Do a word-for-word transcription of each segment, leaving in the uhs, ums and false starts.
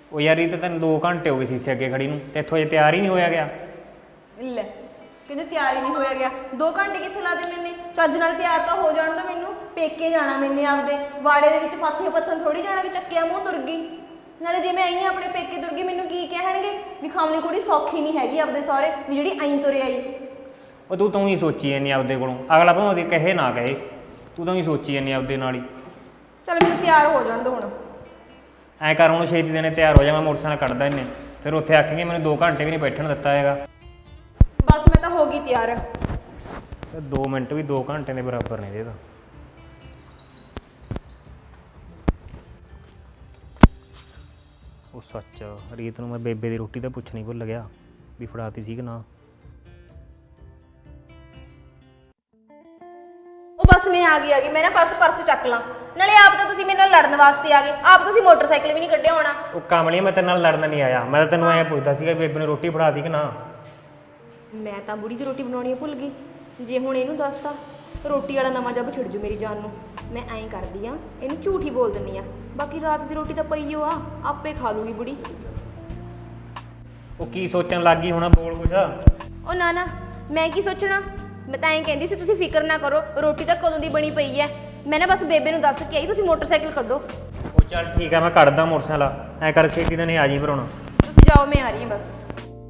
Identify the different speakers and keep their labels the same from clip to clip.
Speaker 1: ਉਹ ਯਾਰ ਇਹ ਤਾਂ ਤੈਨੂੰ ਦੋ ਘੰਟੇ ਹੋ ਗਏ ਸੀਸੇ ਅੱਗੇ ਖੜੀ ਨੂੰ ਤੇ ਇੱਥੋਂ ਅਜੇ ਤਿਆਰ ਹੀ ਨਹੀਂ ਹੋਇਆ ਗਿਆ।
Speaker 2: ਲੈ ਕਹਿੰਦੇ ਤਿਆਰ ਹੀ ਨਹੀਂ ਹੋਇਆ ਗਿਆ। ਦੋ ਘੰਟੇ ਕਿੱਥੇ ਲਾ ਦੇ ਮੈਨੇ? ਚੱਜ ਨਾਲ ਤਿਆਰ ਤਾਂ ਹੋ ਜਾਣ ਦੋ ਮੈਨੂੰ। ਪੇਕੇ ਜਾਣਾ ਮੈਨੇ ਆਪਦੇ ਵਾੜੇ ਦੇ ਵਿੱਚ ਪਾਥੀਆਂ ਪੱਥਨ ਥੋੜੀ ਜਾਣਾ ਵੀ ਚੱਕਿਆ ਮੂੰਹ ਤੁਰ ਗਈ। ਨਾਲੇ ਜੇ ਮੈਂ ਆਈ ਹਾਂ ਆਪਣੇ ਪੇਕੇ ਤੁਰ ਗਈ ਮੈਨੂੰ ਕੀ ਕਹਿਣਗੇ ਵੀ ਖਾਵਣੀ ਕੁੜੀ ਸੌਖੀ ਨਹੀਂ ਹੈਗੀ ਆਪਦੇ ਸਹੁਰੇ ਵੀ ਜਿਹੜੀ ਆਈ ਤੁਰੇ ਆਈ।
Speaker 1: ਉਹ ਤੂੰ ਤੂੰ ਹੀ ਸੋਚੀ ਜਾਂਦੀ ਆਪਦੇ ਕੋਲੋਂ, ਅਗਲਾ ਭਾਵੇਂ ਉਹਦੀ ਕਹੇ ਨਾ ਕਹੇ, ਤੂੰ ਤਾਂ ਹੀ ਸੋਚੀ ਜਾਂਦੀ ਆਪਦੇ ਨਾਲ ਹੀ।
Speaker 2: ਚੱਲ ਮੈਨੂੰ ਤਿਆਰ ਹੋ ਜਾਣ ਦੋ ਹੁਣ।
Speaker 1: ਐਂ ਕਰ ਹੁਣ ਛੇਤੀ ਦੇਣੇ ਤਿਆਰ ਹੋ ਜਾ, ਮੈਂ ਮੋਟਰਸਾਈਕਲ ਕੱਢਦਾ ਇਹਨੇ ਫਿਰ ਉੱਥੇ ਆਖੇਂਗੇ ਮੈਨੂੰ ਦੋ ਘੰਟੇ ਵੀ ਨਹੀਂ ਬੈਠਣ ਦਿੱਤਾ ਹੈਗਾ।
Speaker 2: ਬਸ ਮੈਂ ਤਾਂ ਹੋ ਗਈ ਤਿਆਰ।
Speaker 1: ਤੇ ਦੋ ਮਿੰਟ ਵੀ ਦੋ ਘੰਟੇ ਦੇ ਬਰਾਬਰ ਨੇ ਇਹਦੇ ਤਾਂ। ਉਹ ਸੱਚ ਰੀਤ ਨੂੰ ਮੈਂ ਬੇਬੇ ਦੀ ਰੋਟੀ ਤਾਂ ਪੁੱਛਣੀ ਭੁੱਲ ਗਿਆ ਵੀ ਫੜਾਤੀ ਸੀ ਕਿ ਨਾ।
Speaker 2: ਉਹ ਬਸ ਮੈਂ ਆ ਗਈ ਆ ਗਈ ਮੈਂ ਨਾ ਪਰਸ ਪਰਸ ਚੱਕ ਲਾਂ। ਨਾਲੇ ਆਪ ਤਾਂ ਤੁਸੀਂ ਮੇਰੇ ਨਾਲ ਲੜਨ ਵਾਸਤੇ ਆ ਗਏ, ਆਪ ਤੁਸੀਂ ਮੋਟਰਸਾਈਕਲ ਵੀ ਨਹੀਂ ਕੱਢਿਆ ਹੋਣਾ।
Speaker 1: ਉਹ ਕਮਲੀ ਮੈਂ ਤੇਰੇ ਨਾਲ ਲੜਨ ਨਹੀਂ ਆਇਆ, ਮੈਂ ਤਾਂ ਤੈਨੂੰ ਐਂ ਪੁੱਛਦਾ ਸੀਗਾ ਬੇਬੇ ਨੇ ਰੋਟੀ ਫੜਾਤੀ ਕਿ ਨਾ।
Speaker 2: ਮੈਂ ਤਾਂ ਬੁੜੀ ਦੀ ਰੋਟੀ ਬਣਾਉਣੀ ਭੁੱਲ ਗਈ। ਜੇ ਹੁਣ ਇਹਨੂੰ ਦੱਸਤਾ ਰੋਟੀ ਵਾਲਾ ਨਵਾਂ ਜੱਬ ਛਿੜ ਜੂ ਮੇਰੀ ਜਾਨ ਨੂੰ। ਮੈਂ ਐਂ ਕਰਦੀ ਆ ਇਹਨੂੰ ਝੂਠ ਹੀ ਬੋਲ ਦਿੰਦੀ ਆ, ਬਾਕੀ ਰਾਤ ਦੀ ਰੋਟੀ ਤਾਂ ਪਈ ਓ ਆ ਆਪੇ ਖਾ ਲੂਗੀ ਬੁੜੀ।
Speaker 1: ਉਹ ਕੀ ਸੋਚਣ ਲੱਗ ਗਈ ਹੁਣ, ਬੋਲ ਕੁਛ।
Speaker 2: ਉਹ ਨਾ ਨਾ ਮੈਂ ਕੀ ਸੋਚਣਾ, ਮੈਂ ਤਾਂ ਐਂ ਕਹਿੰਦੀ ਸੀ ਤੁਸੀਂ ਫਿਕਰ ਨਾ ਕਰੋ, ਰੋਟੀ ਤਾਂ ਕਦੋਂ ਦੀ ਬਣੀ ਪਈ ਐ। ਮੈਂ ਨਾ ਬਸ ਬੇਬੇ ਨੂੰ ਦੱਸ ਕੇ ਆਈ ਤੁਸੀਂ ਮੋਟਰਸਾਈਕਲ ਕੱਢੋ।
Speaker 1: ਉਹ ਚੱਲ ਠੀਕ ਆ ਮੈਂ ਕੱਢਦਾ ਮੋਟਰਸਾਈਕਲ, ਐਂ ਕਰ ਛੇਤੀ ਤਾਂ ਨਹੀਂ ਆ ਜੀ ਫਿਰ ਹੁਣ।
Speaker 2: ਤੁਸੀਂ ਜਾਓ ਮੈਂ ਆ ਰਹੀ ਹਾਂ ਬਸ।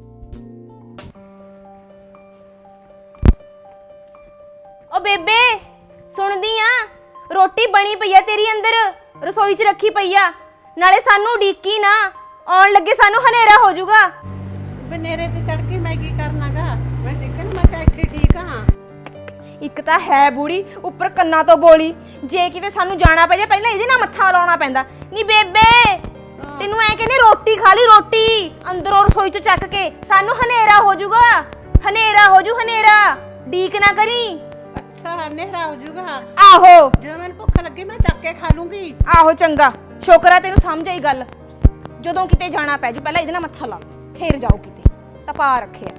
Speaker 2: ਓ ਬੇਬੇ ਸੁਣਦੀ ਆ, ਰੋਟੀ ਬਣੀ ਪਈ ਆ ਤੇਰੀ ਅੰਦਰ ਰਸੋਈ 'ਚ ਰੱਖੀ ਪਈ ਆ। ਨਾਲੇ ਸਾਨੂੰ ਉਡੀਕੀ ਨਾ, ਆਉਣ ਲੱਗੇ ਸਾਨੂੰ ਹਨੇਰਾ ਹੋ ਜਾਊਗਾ।
Speaker 3: ਬਨੇਰੇ ਤੇ ਚੜ ਕੇ ਮੈਂ ਕੀ ਕਰਨਾਗਾ? ਮੈਂ ਦੇਖਣ ਮੈਂ ਤਾਂ ਇੱਥੇ ਠੀਕ ਹਾਂ।
Speaker 2: ਇੱਕ ਤਾਂ ਹੈ ਬੁੜੀ ਉੱਪਰ ਕੰਨਾਂ ਤੋਂ ਬੋਲੀ, ਜੇ ਕਿਤੇ ਸਾਨੂੰ ਜਾਣਾ ਪੈ ਜਾ ਪਹਿਲਾਂ ਇਹਦੇ ਨਾਲ ਮੱਥਾ ਲਾਉਣਾ ਪੈਂਦਾ। ਨੀ ਬੇਬੇ ਤੈਨੂੰ ਐ ਕਹਿੰਦੇ ਰੋਟੀ ਖਾ ਲਈ, ਰੋਟੀ ਅੰਦਰੋਂ ਰਸੋਈ 'ਚ ਚੱਕ ਕੇ, ਸਾਨੂੰ ਹਨੇਰਾ ਹੋ ਜਾਊਗਾ, ਹਨੇਰਾ ਹੋ ਜੂ ਹਨੇਰਾ, ਡੀਕ ਨਾ ਕਰੀ।
Speaker 3: ਅੱਛਾ ਹਨੇਰਾ ਹੋ ਜਾਊਗਾ?
Speaker 2: ਆਹੋ
Speaker 3: ਜਦੋਂ ਮੈਨੂੰ ਭੁੱਖ ਲੱਗੀ ਮੈਂ ਚੱਕ ਕੇ ਖਾ ਲੂੰਗੀ।
Speaker 2: ਆਹੋ ਚੰਗਾ, ਸ਼ੁਕਰ ਆ ਤੈਨੂੰ ਸਮਝ ਆਈ ਗੱਲ। ਜਦੋਂ ਕਿਤੇ ਜਾਣਾ ਪੈ ਜੂ ਪਹਿਲਾਂ ਇਹਦੇ ਨਾਲ ਮੱਥਾ ਲਾ, ਫੇਰ ਜਾਓ ਕਿਤੇ। ਤਪਾ ਰੱਖਿਆ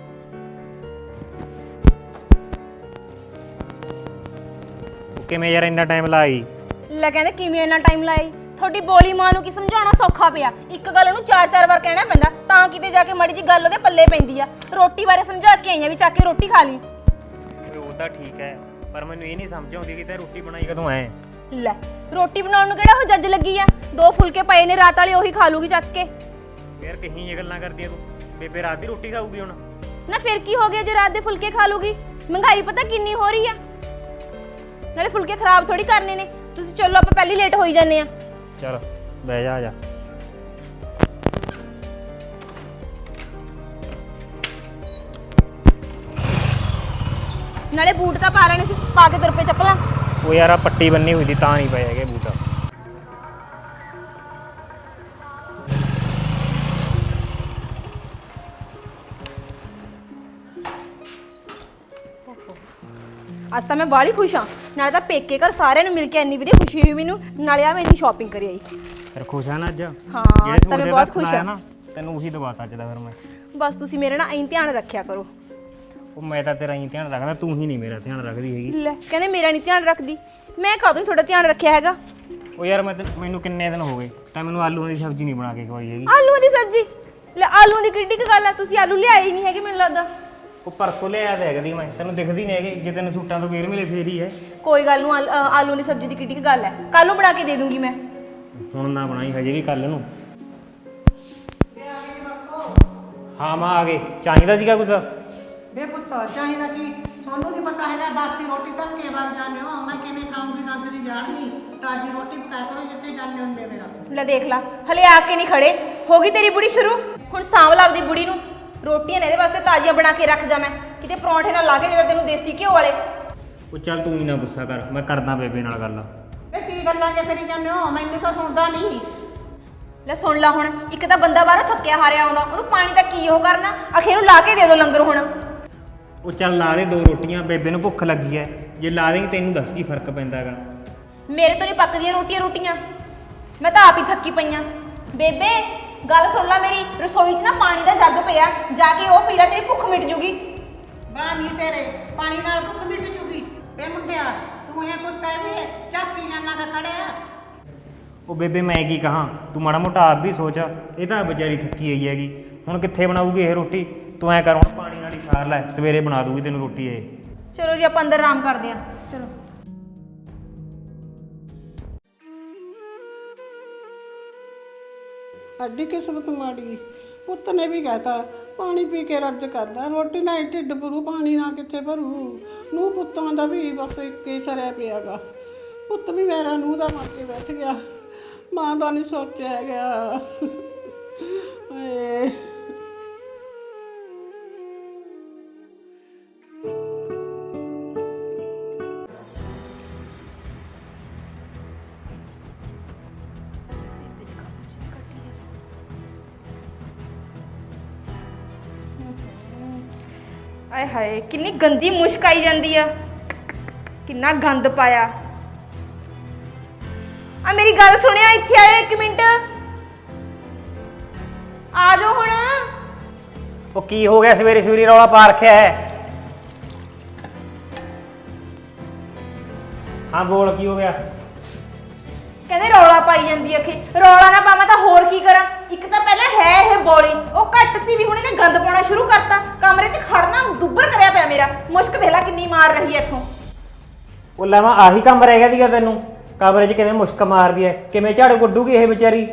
Speaker 1: ਕਿਵੇਂ ਯਾਰ ਇੰਨਾ ਟਾਈਮ ਲਾਈ?
Speaker 2: ਲੈ ਕਹਿੰਦੇ ਕਿਵੇਂ ਇੰਨਾ ਟਾਈਮ ਲਾਈ? ਤੁਹਾਡੀ ਬੋਲੀ ਮਾਂ ਨੂੰ ਕੀ ਸਮਝਾਉਣਾ ਸੌਖਾ ਪਿਆ। ਇੱਕ ਗੱਲ ਉਹਨੂੰ ਚਾਰ ਚਾਰ ਵਾਰ ਕਹਿਣਾ ਪੈਂਦਾ ਤਾਂ ਕਿਤੇ ਜਾ ਕੇ ਮਾੜੀ ਜੀ ਗੱਲ ਉਹਦੇ ਪੱਲੇ ਪੈਂਦੀ ਆ। ਰੋਟੀ ਬਾਰੇ ਸਮਝਾ ਕੇ ਆਈਆਂ ਵੀ ਚੱਕ ਕੇ ਰੋਟੀ ਖਾ ਲਈ।
Speaker 1: ਉਹ ਤਾਂ ਠੀਕ ਹੈ ਪਰ ਮੈਨੂੰ ਇਹ ਨਹੀਂ ਸਮਝ ਆਉਂਦੀ ਕਿ ਤੇ ਰੋਟੀ ਬਣਾਈ ਕਦੋਂ ਐ।
Speaker 2: ਲੈ ਰੋਟੀ ਬਣਾਉਣ ਨੂੰ ਕਿਹੜਾ ਉਹ ਜੱਜ ਲੱਗੀ ਆ? ਦੋ ਫੁਲਕੇ ਪਏ ਨੇ ਰਾਤ ਵਾਲੇ, ਉਹੀ ਖਾ ਲੂਗੀ ਚੱਕ ਕੇ।
Speaker 1: ਯਾਰ ਕਹੀਂ ਇਹ ਗੱਲਾਂ ਕਰਦੀ ਆ ਤੂੰ, ਬੇਬੇ ਰਾਤ ਦੀ ਰੋਟੀ ਖਾਊਗੀ ਹੁਣ?
Speaker 2: ਨਾ ਫਿਰ ਕੀ ਹੋ ਗਿਆ ਜੇ ਰਾਤ ਦੇ ਫੁਲਕੇ ਖਾ ਲੂਗੀ? ਮਹਿੰਗਾਈ ਪਤਾ ਕਿੰਨੀ ਹੋ ਰਹੀ ਆ, ਨਾਲੇ ਫੁਲਕੇ ਖਰਾਬ ਥੋੜੀ ਕਰਨੇ ਨੇ। ਤੁਸੀਂ ਚਲੋ ਆਪਾਂ ਪਹਿਲੀ ਲੇਟ ਹੋਈ ਜਾਂਦੇ ਆ।
Speaker 1: ਚਲ ਬਹਿ ਜਾ, ਆ ਜਾ।
Speaker 2: ਨਾਲੇ ਬੂਟ ਤਾਂ ਪਾ ਲੈਣੇ ਸੀ, ਪਾ ਕੇ ਤੁਰ ਪਏ ਚੱਪਲਾਂ।
Speaker 1: ਉਹ ਯਾਰ ਆ ਪੱਟੀ ਬੰਨੀ ਹੋਈ ਸੀ ਤਾਂ ਨਹੀਂ ਪਏ ਹੈਗੇ ਬੂਟ।
Speaker 2: ਅੱਜ ਤਾਂ ਮੈਂ ਬਾਹਲੀ ਖੁਸ਼ ਹਾਂ। ਨਾਲੇ ਤਾਂ ਪੇਕੇ ਘਰ ਸਾਰਿਆਂ ਨੂੰ ਮਿਲ ਕੇ ਇੰਨੀ ਵਧੀਆ ਖੁਸ਼ੀ ਹੋਈ ਮੈਨੂੰ, ਨਾਲੇ ਆ ਮੈਂ ਇੰਨੀ ਸ਼ਾਪਿੰਗ ਕਰੀ ਆਈ।
Speaker 1: ਫਿਰ ਖੁਸ਼ ਆ ਨਾ ਅੱਜ?
Speaker 2: ਹਾਂ ਅੱਜ ਤਾਂ ਮੈਂ ਬਹੁਤ ਖੁਸ਼ ਹਾਂ।
Speaker 1: ਤੈਨੂੰ ਉਹੀ ਦਵਾਤਾ ਅੱਜ ਦਾ ਫਿਰ ਮੈਂ।
Speaker 2: ਬਸ ਤੁਸੀਂ ਮੇਰੇ ਨਾਲ ਐਂ ਧਿਆਨ ਰੱਖਿਆ ਕਰੋ।
Speaker 1: ਉਹ ਮੈਂ ਤਾਂ ਤੇਰਾ ਹੀ ਧਿਆਨ ਰੱਖਦਾ, ਤੂੰ ਹੀ ਨਹੀਂ ਮੇਰਾ ਧਿਆਨ ਰੱਖਦੀ ਹੈਗੀ।
Speaker 2: ਲੈ ਕਹਿੰਦੇ ਮੇਰਾ ਨਹੀਂ ਧਿਆਨ ਰੱਖਦੀ, ਮੈਂ ਕਾਹਦੋਂ ਤੁਹਾਡਾ ਧਿਆਨ ਰੱਖਿਆ ਹੈਗਾ?
Speaker 1: ਉਹ ਯਾਰ ਮੈਂ ਮੈਨੂੰ ਕਿੰਨੇ ਦਿਨ ਹੋ ਗਏ ਤਾਂ ਮੈਨੂੰ ਆਲੂਆਂ ਦੀ ਸਬਜ਼ੀ ਨਹੀਂ ਬਣਾ ਕੇ ਖਵਾਈ ਹੈਗੀ।
Speaker 2: ਆਲੂਆਂ ਦੀ ਸਬਜ਼ੀ? ਲੈ ਆਲੂਆਂ ਦੀ ਕਿੱਡੀ ਕੁ ਗੱਲ ਆ, ਤੁਸੀਂ ਆਲੂ ਲਿਆਏ ਹੀ ਨਹੀਂ ਹੈਗੇ ਮੈਨੂੰ ਲੱਗਦਾ।
Speaker 1: ਉਹ ਪਰਸੋਂ ਲਿਆਇਆ ਤਾਂ ਹੈਗਾ ਦੀ ਮੈਂ, ਤੈਨੂੰ ਦਿਖਦੀ ਨਹੀਂ ਹੈਗੀ। ਜੇ ਤੈਨੂੰ ਸੂਟਾਂ ਤੋਂ ਫੇਰ ਮਿਲੇ ਫੇਰ ਹੀ ਹੈ।
Speaker 2: ਕੋਈ ਗੱਲ ਨੂੰ ਆਲੂਆਂ ਦੀ ਸਬਜ਼ੀ ਦੀ ਕਿੱਡੀ ਕੁ ਗੱਲ ਹੈ, ਕੱਲ ਨੂੰ ਬਣਾ ਕੇ ਦੇ ਦੂੰਗੀ ਮੈਂ।
Speaker 1: ਹੁਣ ਨਾ ਬਣਾਈ ਹਜੇ ਵੀ ਕੱਲ ਨੂੰ। ਹਾਂ ਮਾਂ ਆ ਗਏ, ਚਾਹੀਦਾ ਸੀਗਾ ਕੁਝ?
Speaker 3: ਬੇ ਪੁੱਤ ਚਾਹੀਦਾ ਕੀ? ਸਾਨੂੰ ਨਹੀਂ ਪਤਾ ਹੈਗਾ ਬਾਸੀ ਰੋਟੀ ਧੱਕੇ ਵੱਲ ਜਾਂਦੇ ਹੋ, ਮੈਂ ਕਿਵੇਂ ਖਾਊਂਗੀ ਦੰਦ ਦੀ ਜਾਣਨੀ। ਤਾਜੀ ਰੋਟੀ ਪਕਾ ਕਰੋ ਜਿੱਥੇ ਜਾਂਦੇ ਹੁੰਦੇ ਮੇਰਾ।
Speaker 2: ਲੈ ਦੇਖ ਲਾ ਹਲੇ ਆ ਕੇ ਨਹੀਂ ਖੜੇ, ਹੋ ਗਈ ਤੇਰੀ ਬੁੜੀ ਸ਼ੁਰੂ। ਹੁਣ ਸਾਂਭ ਲਾ ਆਪਦੀ ਬੁੜੀ ਨੂੰ, ਰੋਟੀਆਂ ਨੇ ਇਹਦੇ ਵਾਸਤੇ ਤਾਜ਼ੀਆਂ ਬਣਾ ਕੇ ਰੱਖ ਜਾ। ਮੈਂ ਕਿਤੇ ਪਰੌਂਠੇ ਨਾਲ ਲਾ ਕੇ ਦੇ ਤੈਨੂੰ ਦੇਸੀ ਘਿਓ ਵਾਲੇ।
Speaker 1: ਉਹ ਚੱਲ ਤੂੰ ਹੀ ਨਾ ਗੁੱਸਾ ਕਰ, ਮੈਂ ਕਰਦਾ ਬੇਬੇ ਨਾਲ ਗੱਲ।
Speaker 3: ਇਹ ਕੀ ਗੱਲਾਂ ਜੇ ਕਰੀ ਜਾਂਦੇ ਹੋ? ਮੈਨੂੰ ਤਾਂ ਸੁਣਦਾ ਨਹੀਂ।
Speaker 2: ਲੈ ਸੁਣ ਲਾ ਹੁਣ, ਇੱਕ ਤਾਂ ਬੰਦਾ ਬਾਹਰੋਂ ਥੱਕਿਆ ਹਾਰਿਆ ਆਉਂਦਾ, ਉਹਨੂੰ ਪਾਣੀ ਦਾ ਕੀ ਉਹ ਕਰਨਾ, ਅਖੇ ਨੂੰ ਲਾ ਕੇ ਦੇ ਦੋ ਲੰਗਰ ਹੁਣ।
Speaker 1: ਉਹ ਚੱਲ ਲਾ ਦੇ ਦੋ ਰੋਟੀਆਂ, ਬੇਬੇ ਨੂੰ ਭੁੱਖ ਲੱਗੀ ਐ। ਜੇ ਲਾ ਦੇਂਗੀ ਤੈਨੂੰ ਦੱਸ ਕੀ ਫਰਕ ਪੈਂਦਾ ਹੈਗਾ।
Speaker 2: ਮੇਰੇ ਤੋਂ ਨਹੀਂ ਪੱਕਦੀਆਂ ਰੋਟੀਆਂ ਰੋਟੀਆਂ, ਮੈਂ ਤਾਂ ਆਪ ਹੀ ਥੱਕੀ ਪਈਆਂ। ਬੇਬੇ ਗੱਲ ਸੁਣ ਲੈ ਮੇਰੀ, ਰਸੋਈ 'ਚ ਨਾ ਪਾਣੀ ਦਾ ਜੱਗ ਪਿਆ, ਜਾ ਕੇ ਉਹ ਪੀ ਲੈ, ਤੇਰੀ ਭੁੱਖ ਮਿਟ ਜੂਗੀ।
Speaker 3: ਬਾਹ ਨਹੀਂ ਤੇਰੇ ਪਾਣੀ ਨਾਲ ਭੁੱਖ ਮਿਟ ਜੂਗੀ? ਬੇ ਮੁੰਡਿਆ ਤੂੰ ਇਹ ਕੁਛ ਕਹਿ ਵੀ ਚੱਕ ਪੀ ਜਾਣਾ ਦਾ ਖੜਿਆ।
Speaker 1: ਉਹ ਬੇਬੇ ਮੈਂ ਕੀ ਕਹਾਂ, ਤੂੰ ਮਾੜਾ ਮੋਟਾ ਆਪ ਵੀ ਸੋਚ। ਇਹ ਤਾਂ ਵਿਚਾਰੀ ਥੱਕੀ ਹੋਈ ਹੈਗੀ, ਹੁਣ ਕਿੱਥੇ ਬਣਾਊਗੀ ਇਹ ਰੋਟੀ। ਤੂੰ ਐਂ ਕਰ ਹੁਣ ਪਾਣੀ ਨਾਲ ਹੀ ਸਾਰ ਲੈ, ਸਵੇਰੇ ਬਣਾ ਦੂਗੀ ਤੈਨੂੰ ਰੋਟੀ ਇਹ।
Speaker 2: ਚਲੋ ਜੀ ਆਪਾਂ ਅੰਦਰ ਆਰਾਮ ਕਰਦੇ ਹਾਂ। ਚਲੋ
Speaker 3: ਅੱਡੀ ਕਿਸਮਤ ਮਾੜੀ। ਪੁੱਤ ਨੇ ਵੀ ਕਹਿਤਾ ਪਾਣੀ ਪੀ ਕੇ ਰੱਜ ਕਰਦਾ, ਰੋਟੀ ਨਾਲ ਹੀ ਢਿੱਡ ਭਰੂ, ਪਾਣੀ ਨਾਲ ਕਿੱਥੇ ਭਰੂ। ਨੂੰਹ ਪੁੱਤਾਂ ਦਾ ਵੀ ਬਸ ਇੱਕ ਹੀ ਸਰਿਆ ਪਿਆਗਾ। ਪੁੱਤ ਵੀ ਮੇਰਾ ਨੂੰਹ ਦਾ ਮਰ ਕੇ ਬੈਠ ਗਿਆ, ਮਾਂ ਦਾ ਨਹੀਂ ਸੋਚਿਆ ਗਿਆ। ਏ
Speaker 2: ਆਏ ਹਾਏ ਕਿੰਨੀ ਗੰਦੀ ਮੁਸ਼ਕ ਆਈ ਜਾਂਦੀ ਆ, ਕਿੰਨਾ ਗੰਦ ਪਾਇਆ। ਆ ਮੇਰੀ ਗੱਲ ਸੁਣਿਆ, ਇੱਥੇ ਆਇਓ ਇੱਕ ਮਿੰਟ, ਆ ਜਾਓ ਹੁਣ।
Speaker 1: ਉਹ ਕੀ ਹੋ ਗਿਆ ਸਵੇਰੇ ਸਵੇਰੇ ਰੌਲਾ ਪਾ ਰੱਖਿਆ ਹੈ? ਹਾਂ ਬੋਲ, ਕੀ ਹੋ ਗਿਆ?
Speaker 2: ਕਹਿੰਦੇ ਰੌਲਾ ਪਾਈ ਜਾਂਦੀ ਆ। ਅਖੇ ਰੌਲਾ ਨਾ ਪਾਵਾਂ ਤਾਂ ਹੋਰ ਕੀ ਕਰਾਂ। ਇੱਕ ਤਾਂ ਪਹਿਲਾਂ ਹੈ ਇਹ ਬੋਲੀ, ਉਹ ਘੱਟ ਸੀ ਵੀ ਹੁਣ ਇਹਨੇ ਗੰਦ ਪਾਉਣਾ ਸ਼ੁਰੂ ਕਰਤਾ। ਕਮਰੇ 'ਚ ਖੜਨਾ ਦੁੱਬਰ ਕਰਿਆ ਪਿਆ ਮੇਰਾ। ਮੁਸ਼ਕ ਦੇਖ ਲੈ ਕਿੰਨੀ ਮਾਰ ਰਹੀ ਐ ਇੱਥੋਂ।
Speaker 1: ਉਹ ਲਾਵਾਂ ਆਹੀ ਕੰਮ ਰਹਿ ਗਿਆ ਸੀਗਾ ਤੈਨੂੰ? ਕਮਰੇ 'ਚ ਕਿਵੇਂ ਮੁਸ਼ਕ ਮਾਰਦੀ ਐ, ਕਿਵੇਂ ਝਾੜੂ ਕੱਢੂਗੀ ਇਹ ਵਿਚਾਰੀ?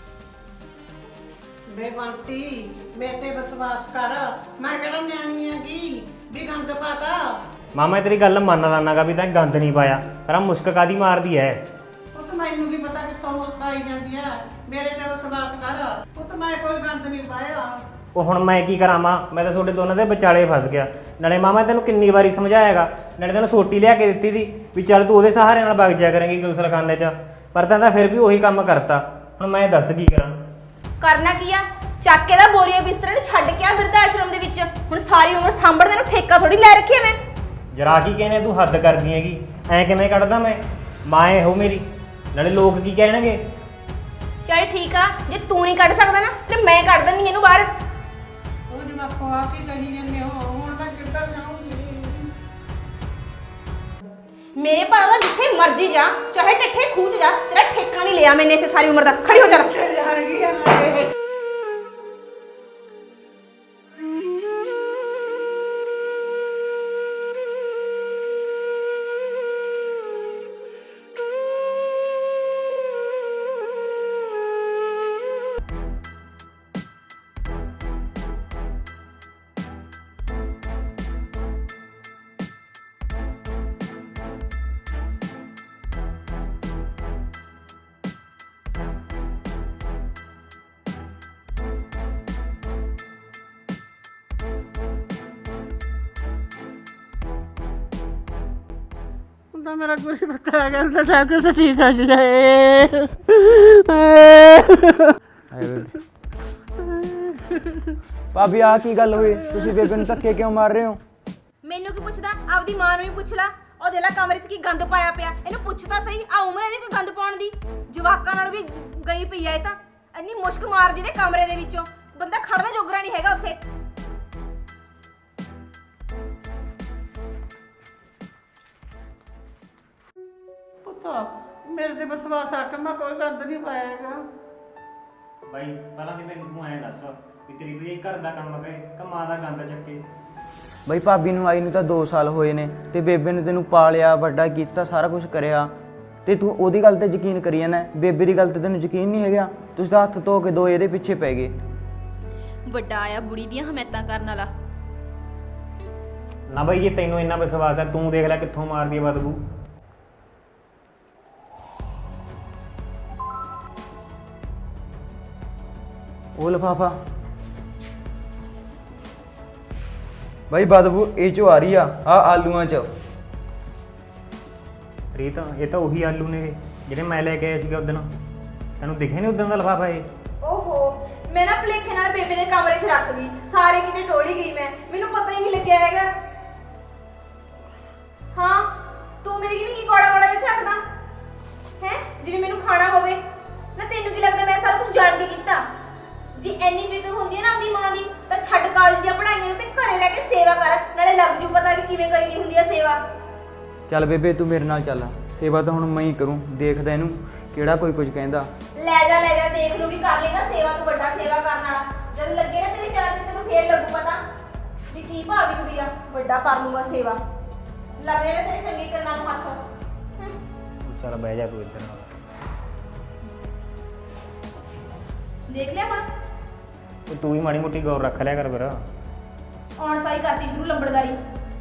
Speaker 3: ਬੇਬੰਟੀ ਮੇਰੇ ਤੇ ਵਿਸ਼ਵਾਸ ਕਰ, ਮੈਂ ਕਿਹੜਾ ਨਿਆਣੀ ਹੈਗੀ ਵੀ ਗੰਦ ਪਾਤਾ।
Speaker 1: ਮਾਮਾ ਤੇਰੀ ਗੱਲ ਮੰਨ ਲਾਨਾਗਾ ਵੀ ਤਾਂ ਗੰਦ ਨਹੀਂ ਪਾਇਆ, ਪਰ ਆਹ ਮੁਸ਼ਕ ਕਾਦੀ ਮਾਰਦੀ ਐ?
Speaker 3: ਉਹ ਤਾਂ ਮੈਨੂੰ ਕੀ ਪਤਾ ਕਿੱਥੋਂ ਮੁਸਕ ਆਈ ਜਾਂਦੀ ਆ। ਮੇਰੇ ਤੇ ਵਿਸ਼ਵਾਸ ਕਰ, ਉਹ ਤਾਂ ਮੈਂ ਕੋਈ ਗੰਦ ਨਹੀਂ ਪਾਇਆ।
Speaker 1: ਉਹ ਹੁਣ ਮੈਂ ਕੀ ਕਰਾਂ ਮਾਂ, ਮੈਂ ਤਾਂ ਤੁਹਾਡੇ ਦੋਨਾਂ ਦੇ ਵਿਚਾਲੇ ਫਸ ਗਿਆ। ਨਾਲੇ ਮਾਮਾ ਤੈਨੂੰ ਕਿੰਨੀ ਵਾਰੀ ਸਮਝਾਇਆਗਾ, ਨਾਲੇ ਤੈਨੂੰ ਸੋਟੀ ਲਿਆ ਕੇ ਦਿੱਤੀ ਸੀ ਵੀ ਚੱਲ ਤੂੰ ਉਹਦੇ ਸਹਾਰੇ ਨਾਲ ਵਗ ਜਾਇਆ ਕਰੇਂਗੀ ਗੁਸਲਖਾਨੇ 'ਚ, ਪਰ ਤੈਂ ਤਾਂ ਫਿਰ ਵੀ ਉਹੀ ਕੰਮ ਕਰਤਾ। ਹੁਣ ਮੈਂ ਦੱਸ ਕੀ ਕਰਾਂ?
Speaker 2: ਕਰਨਾ ਕੀ ਆ? ਚੱਕ ਕੇ ਦਾ ਬੋਰੀਆ ਬਿਸਤਰੇ ਨੂੰ ਛੱਡ ਕੇ ਆ ਬਿਰਧ ਆਸ਼ਰਮ ਦੇ ਵਿੱਚ। ਹੁਣ ਸਾਰੀ ਉਮਰ ਸਾਂਭਣ ਨੂੰ ਠੇਕਾ ਥੋੜੀ ਲੈ ਰੱਖੀ ਮੈਂ।
Speaker 1: ਜਰਾ ਕੀ ਕਹਿੰਦੇ ਤੂੰ ਹੱਦ ਕਰਦੀ ਹੈਗੀ, ਐਂ ਕਿਵੇਂ ਕੱਢਦਾ ਮੈਂ? ਮਾਂ ਇਹੋ ਮੇਰੀ, ਨਾਲੇ ਲੋਕ ਕੀ ਕਹਿਣਗੇ?
Speaker 2: ਚੱਲ ਠੀਕ ਆ, ਜੇ ਤੂੰ ਨਹੀਂ ਕੱਢ ਸਕਦਾ ਨਾ ਤੇ ਮੈਂ ਕੱਢ ਦਿੰਦੀ ਇਹਨੂੰ ਬਾਹਰ।
Speaker 3: ਉਹ ਜਵਾਕੋ ਆ ਕੀ ਕਹੀ ਜਾਂਦੇ ਹੋ, ਹੁਣ ਮੈਂ ਕਿੱਧਰ ਜਾਊਂਗੀ?
Speaker 2: ਮੇਰੇ ਭਾਅ ਦਾ ਜਿੱਥੇ ਮਰਜੀ ਜਾ, ਚਾਹੇ ਟੱਠੇ ਖੂਚ ਜਾ, ਤੇਰਾ ਠੇਕਾ ਨਹੀਂ ਲਿਆ ਮੈਨੇ ਇੱਥੇ ਸਾਰੀ ਉਮਰ ਦਾ। ਖੜੀ ਹੋ ਜਾ।
Speaker 3: ਯਾਰ ਕੀ ਹੈ ਤਾਂ ਮੇਰਾ ਗੁਰੀ ਪਤਾ ਗਿਆ ਤਾਂ ਸਭ ਕੁਝ ਠੀਕ ਹੋ ਜਾਏ।
Speaker 4: ਭਾਬੀ ਆ ਕੀ ਗੱਲ ਹੋਈ? ਤੁਸੀਂ ਬੇਬੇ ਨੂੰ ਧੱਕੇ ਕਿਉਂ ਮਾਰ ਰਹੇ ਹੋ?
Speaker 2: ਮੈਨੂੰ ਕੀ ਪੁੱਛਦਾ? ਆਪਦੀ ਮਾਂ ਨੂੰ ਵੀ ਪੁੱਛ ਲੈ। ਉਹ ਦੇਖ ਲੈ ਕਮਰੇ 'ਚ ਕੀ ਗੰਦ ਪਾਇਆ ਪਿਆ। ਇਹਨੂੰ ਪੁੱਛ ਤਾਂ ਸਹੀ, ਆ ਉਮਰ ਇਹਦੀ ਕੋਈ ਗੰਦ ਪਾਉਣ ਦੀ? ਜਵਾਕਾਂ ਨਾਲ ਵੀ ਗਈ ਪਈ ਆ ਇਹ ਤਾਂ। ਇੰਨੀ ਮੁਸ਼ਕ ਮਾਰਦੀ ਨੇ ਕਮਰੇ ਦੇ ਵਿੱਚੋਂ, ਬੰਦਾ ਖੜਨਾ ਜੋਗਰਾ ਨਹੀਂ ਹੈਗਾ ਉੱਥੇ।
Speaker 3: ਪੁੱਤਾ ਮੇਰੇ ਤੇ ਵਿਸ਼ਵਾਸ ਆ ਕੇ ਮੈਂ ਕੋਈ ਗੰਦ ਨਹੀਂ ਪਾਇਆਗਾ।
Speaker 1: ਬਾਈ ਪਹਿਲਾਂ ਤੇ ਮੈਨੂੰ ਤੂੰ ਐਂ ਦੱਸ ਵੀ ਤੇਰੀ ਕੋਈ ਘਰ ਦਾ ਕੰਮ ਕਰੇ ਕਿ ਮਾਂ ਦਾ ਗੰਦ ਚੱਕੇ?
Speaker 4: ਬਈ ਭਾਬੀ ਨੂੰ ਆਈ ਨੂੰ ਤਾਂ ਦੋ ਸਾਲ ਹੋਏ ਨੇ ਤੇ ਬੇਬੇ ਨੇ ਤੈਨੂੰ ਪਾਲਿਆ ਵੱਡਾ ਕੀਤਾ, ਸਾਰਾ ਕੁਝ ਕਰਿਆ, ਤੇ ਤੂੰ ਉਹਦੀ ਗੱਲ ਤੇ ਯਕੀਨ ਕਰੀ ਜਾਂਦਾ। ਬੇਬੇ ਦੀ ਗੱਲ ਤੇ ਤੈਨੂੰ ਯਕੀਨ ਨਹੀਂ ਹੈਗਾ। ਤੁਸੀਂ ਤਾਂ ਹੱਥ ਧੋ ਕੇ ਦੋ ਇਹਦੇ ਪਿੱਛੇ ਪੈ ਗਏ।
Speaker 2: ਵੱਡਾ ਆਇਆ ਬੁੜੀ ਦੀਆਂ ਹਮਾਇਤਾਂ ਕਰਨ ਵਾਲਾ।
Speaker 1: ਨਾ ਬਾਈ ਜੇ ਤੈਨੂੰ ਇੰਨਾ ਵਿਸ਼ਵਾਸ ਹੈ, ਤੂੰ ਦੇਖ ਲੈ ਕਿੱਥੋਂ ਮਾਰਦੀ ਹੈ ਬਦਬੂ।
Speaker 4: ਉਹ ਲਿਫਾਫਾ ਬਈ ਬਦਬੂ ਇਹ ਚੋਂ ਆ ਰਹੀ ਆ, ਆ ਆਲੂਆਂ ਚ।
Speaker 1: ਰੀਤ ਇਹ ਤਾਂ ਉਹੀ ਆਲੂ ਨੇ ਜਿਹੜੇ ਮੈਂ ਲੈ ਕੇ ਆਇਆ ਸੀਗਾ ਉਦੋਂ। ਤੈਨੂੰ ਦਿਖੇ ਨਹੀਂ ਉਦੋਂ ਦਾ ਲਿਫਾਫਾ ਇਹ?
Speaker 2: ਓਹੋ ਮੈਂ ਨਾ ਭੁਲੇਖੇ ਨਾਲ ਬੇਬੇ ਦੇ ਕਮਰੇ 'ਚ ਰੱਖ ਗਈ, ਸਾਰੇ ਕਿਤੇ ਟੋਲੀ ਗਈ ਮੈਂ, ਮੈਨੂੰ ਪਤਾ ਹੀ ਨਹੀਂ ਲੱਗਿਆ ਹੈਗਾ। ਹਾਂ ਤੂੰ ਮੇਰੀ ਕਿਵੇਂ ਕੀ ਕੋੜਾ ਕੋੜਾ ਜਿਹਾ ਝਾਕਦਾ ਹੈ, ਜਿਵੇਂ ਮੈਨੂੰ ਖਾਣਾ ਹੋਵੇ ਨਾ? ਤੈਨੂੰ ਕੀ ਲੱਗਦਾ ਮੈਂ ਸਾਰਾ ਕੁਝ ਜਾਣ ਕੇ ਕੀਤਾ? ਜੇ ਐਨੀ ਫਿਕਰ ਹੁੰਦੀ ਹੈ ਨਾ ਆਪਣੀ ਮਾਂ ਦੀ ਤਾਂ ਛੱਡ ਕਾਲਜ ਦੀਆਂ ਪੜ੍ਹਾਈਆਂ ਨੂੰ ਤੇ ਘਰੇ ਰਹਿ ਕੇ ਸੇਵਾ ਕਰ, ਨਾਲੇ ਲੱਗ ਜੂ ਪਤਾ ਕਿ ਕਿਵੇਂ ਕਰੀਦੀ ਹੁੰਦੀ ਹੈ ਸੇਵਾ।
Speaker 4: ਚੱਲ ਬੇਬੇ ਤੂੰ ਮੇਰੇ ਨਾਲ ਚੱਲ, ਸੇਵਾ ਤਾਂ ਹੁਣ ਮੈਂ ਹੀ ਕਰੂੰ। ਦੇਖਦਾ ਇਹਨੂੰ ਕਿਹੜਾ ਕੋਈ ਕੁਝ ਕਹਿੰਦਾ।
Speaker 2: ਲੈ ਜਾ ਲੈ ਜਾ, ਦੇਖ ਲੂਗੀ, ਕਰ ਲੇਗਾ ਸੇਵਾ ਤੋਂ ਵੱਡਾ ਸੇਵਾ ਕਰਨ ਵਾਲਾ। ਜਦ ਲੱਗੇ ਨਾ ਤੇਰੇ ਚਾਰ ਦਿਨ ਤੈਨੂੰ ਫੇਰ ਲੱਗੂ ਪਤਾ ਵੀ ਕੀ ਭਾਵੀ ਕੁੜੀ ਆ, ਵੱਡਾ ਕਰ ਲੂਗਾ ਸੇਵਾ। ਲੱਗ ਰਿਹਾ ਤੇਰੇ ਚੰਗੇ ਕੰਨਾਂ ਨੂੰ ਹੱਥ। ਹਮ।
Speaker 1: ਚੱਲ ਬਹਿ ਜਾ ਤੂੰ ਇੱਧਰ ਨਾਲ।
Speaker 2: ਦੇਖ ਲਿਆ ਹੁਣ,
Speaker 1: ਤੇ ਤੂੰ ਵੀ ਮਾੜੀ ਮੋਟੀ ਗੌਰ ਰੱਖ ਲਿਆ ਕਰ ਫਿਰ।
Speaker 2: ਆਉਣ ਸਾਰੀ ਕਰਤੀ ਸ਼ੁਰੂ ਲੰਬੜਦਾਰੀ।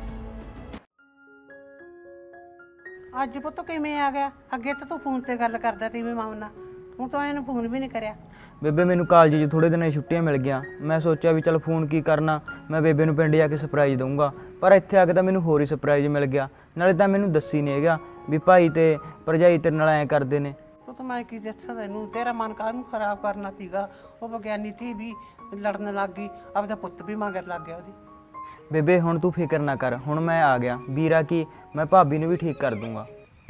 Speaker 3: ਅੱਜ ਪੁੱਤ ਕਿਵੇਂ ਆ ਗਿਆ? ਅੱਗੇ ਤਾਂ ਤੂੰ ਫੋਨ ਤੇ ਗੱਲ ਕਰਦਾ ਤੀ ਵੀ ਮਾਂ ਨਾਲ, ਹੁਣ ਤਾਂ ਇਹਨੂੰ ਫੋਨ ਵੀ ਨਹੀਂ ਕਰਿਆ।
Speaker 4: ਬੇਬੇ ਮੈਨੂੰ ਕਾਲਜ 'ਚ ਥੋੜੇ ਦਿਨਾਂ ਦੀ ਛੁੱਟੀਆਂ ਮਿਲ ਗਈਆਂ। ਮੈਂ ਸੋਚਿਆ ਵੀ ਚੱਲ ਫੋਨ ਕੀ ਕਰਨਾ, ਮੈਂ ਬੇਬੇ ਨੂੰ ਪਿੰਡ ਜਾ ਕੇ ਸਰਪ੍ਰਾਈਜ਼ ਦਊਂਗਾ। ਪਰ ਇੱਥੇ ਆ ਕੇ ਤਾਂ ਮੈਨੂੰ ਹੋਰ ਹੀ ਸਰਪ੍ਰਾਈਜ਼ ਮਿਲ ਗਿਆ। ਨਾਲੇ ਤਾਂ ਮੈਨੂੰ ਦੱਸੀ ਨਹੀਂ ਹੈਗਾ ਵੀ ਭਾਈ ਤੇ ਭਰਜਾਈ ਤੇਰੇ ਨਾਲ ਐਂ ਕਰਦੇ ਨੇ।
Speaker 3: ਉਹ ਤਾਂ ਮੈਂ ਕੀ ਦੱਸਾਂ ਤੈਨੂੰ, ਤੇਰਾ ਮਨ ਕਾਹਨੂੰ ਖਰਾਬ ਕਰਨਾ ਸੀਗਾ। ਉਹ ਵਿਗਿਆਨੀ ਧੀ ਵੀ ਲੜਨ ਲੱਗ ਗਈ, ਆਪਦਾ ਪੁੱਤ ਵੀ ਮਗਰ ਲੱਗ ਗਿਆ ਉਹਦੀ।
Speaker 4: ਬੇਬੇ ਹੁਣ ਤੂੰ ਫਿਕਰ ਨਾ ਕਰ, ਹੁਣ ਮੈਂ ਆ ਗਿਆ ਵੀਰਾ ਕੀ ਮੈਂ ਭਾਬੀ ਨੂੰ ਵੀ ਠੀਕ ਕਰ ਦੂੰਗਾ।